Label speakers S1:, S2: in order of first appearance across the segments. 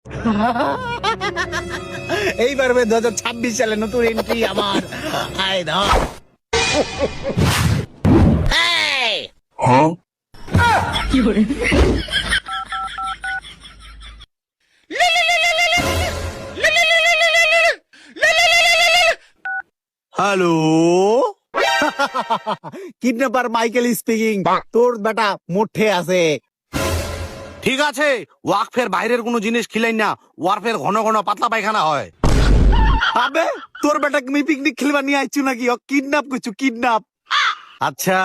S1: এইবার 2026 সালে নতুন এন্ট্রি আমার। আয় ধর। Hello, kidnapper Michael speaking. তোর বেটা মোটে আছে।
S2: ঠিক আছে, ওয়াকফের বাইরের কোনো জিনিস খিলাই না, ওয়ারফের ঘন ঘন পাতলা পায়খানা হয়।
S1: আবে তোর বেটা আমি পিকনিক খেলবা নিয়ে আইছু নাকি? ও কিডন্যাপ করছু, কিডন্যাপ।
S2: আচ্ছা,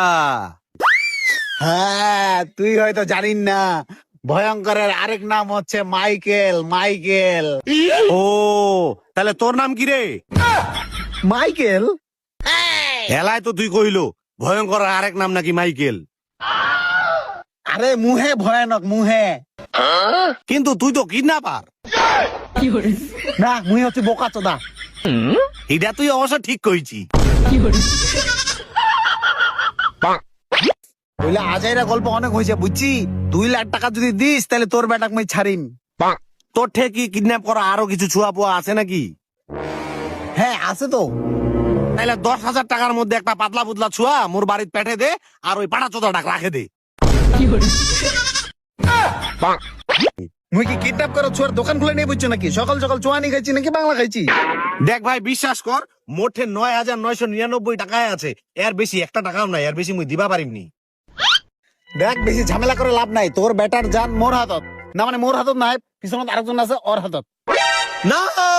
S1: হ্যাঁ, তুই হয়তো জানিস না, ভয়ঙ্করের আরেক নাম হচ্ছে মাইকেল। মাইকেল,
S2: ও তাহলে তোর নাম কি রে?
S1: মাইকেল।
S2: হেলায় তো তুই কইলো ভয়ঙ্কর আরেক নাম নাকি মাইকেল।
S1: আরে মুহে ভয়ানক, মুহে।
S2: কিন্তু তুই তো কিডন্যাপার।
S1: না, মুই হচ্ছে বোকা চোদা।
S2: এটা তুই অবশ্য ঠিক কইছি।
S1: বইলে আজাইরা গল্প অনেক হয়েছে বুঝছি। 2 লাখ টাকা যদি দিস তাহলে তোর বেটাকে মই ছাড়িম।
S2: তোর ঠেকি কিডন্যাপ করা আরো কিছু ছুয়া পুয়া আছে নাকি?
S1: হ্যাঁ আছে তো।
S2: তাহলে 10,000 টাকার মধ্যে একটা পাতলা পুতলা ছুয়া মোর বাড়ির পেটে দে, আর ওই পাটা চোদা ডাক রাখে দে।
S1: মুই কি কিডন্যাপ করো ছোয়ার দোকান খুলে নিয়ে বুঝছো নাকি? সকাল সকাল চুয়ানি খাইছি নাকি বাংলা খাইছি?
S2: দেখ ভাই, বিশ্বাস কর, মোটে 9,999 টাকায় আছে। এর বেশি একটা টাকাও নাই, এর বেশি মুই দিবা পারিমনি।
S1: দেখ বেশি ঝামেলা করে লাভ নাই। তোর বেটার জান মোর হাতত। না মানে মোর হাতত নাই, পিছনত আরেকজন আছে ওর হাতত।
S2: না,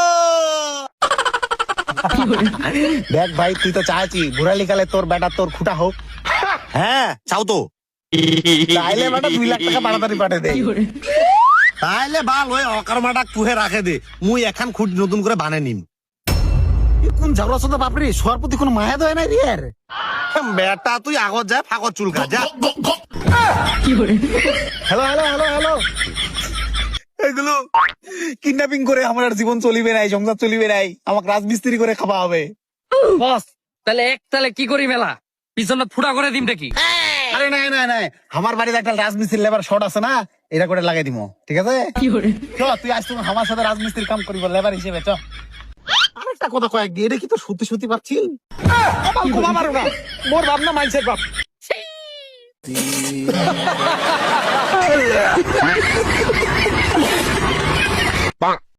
S1: দেখ ভাই, তুই তো চাইছি বুড়ালি কালে তোর বেটা তোর খুঁটা হোক।
S2: হ্যাঁ চাও তো।
S1: তাইলে বেটা 2 লাখ টাকা তাড়াতাড়ি পাঠে দে।
S2: তাইলে ভাল ওই অকর্মাটা কুহে রাখে দে, মুই এখন খুঁট নতুন করে বানে নিম।
S1: কোন ঝগড়া চোদা বাপরে, শোয়ার প্রতি কোনো মায়া দয় নাই রে।
S2: বেটা তুই আগত যা, ফাগত চুলকা যা।
S1: হ্যালো হ্যালো হ্যালো হ্যালো, এগুলো কিডন্যাপিং করে আমার আর জীবন চলিবে নাই, সংসার চলিবে নাই। আমাকে রাজমিস্ত্রি করে খাওয়া হবে।
S3: বস তাহলে কি করি মেলা পিছনে ফুটা করে দিম দেখি।
S1: আরে নাই নাই নাই, আমার বাড়িতে একটা রাজমিস্ত্রি লেবার শর্ট আছে না, এটা করে লাগাই দিব। ঠিক আছে, চ তুই আজ তুমি আমার সাথে রাজমিস্ত্রির কাম করিব লেবার হিসেবে। চ আরেকটা কথা কয়েক দিয়ে, এটা কি তো সত্যি সত্যি পাচ্ছি? মোর ভাবনা মাইন্ডসেট বাপ।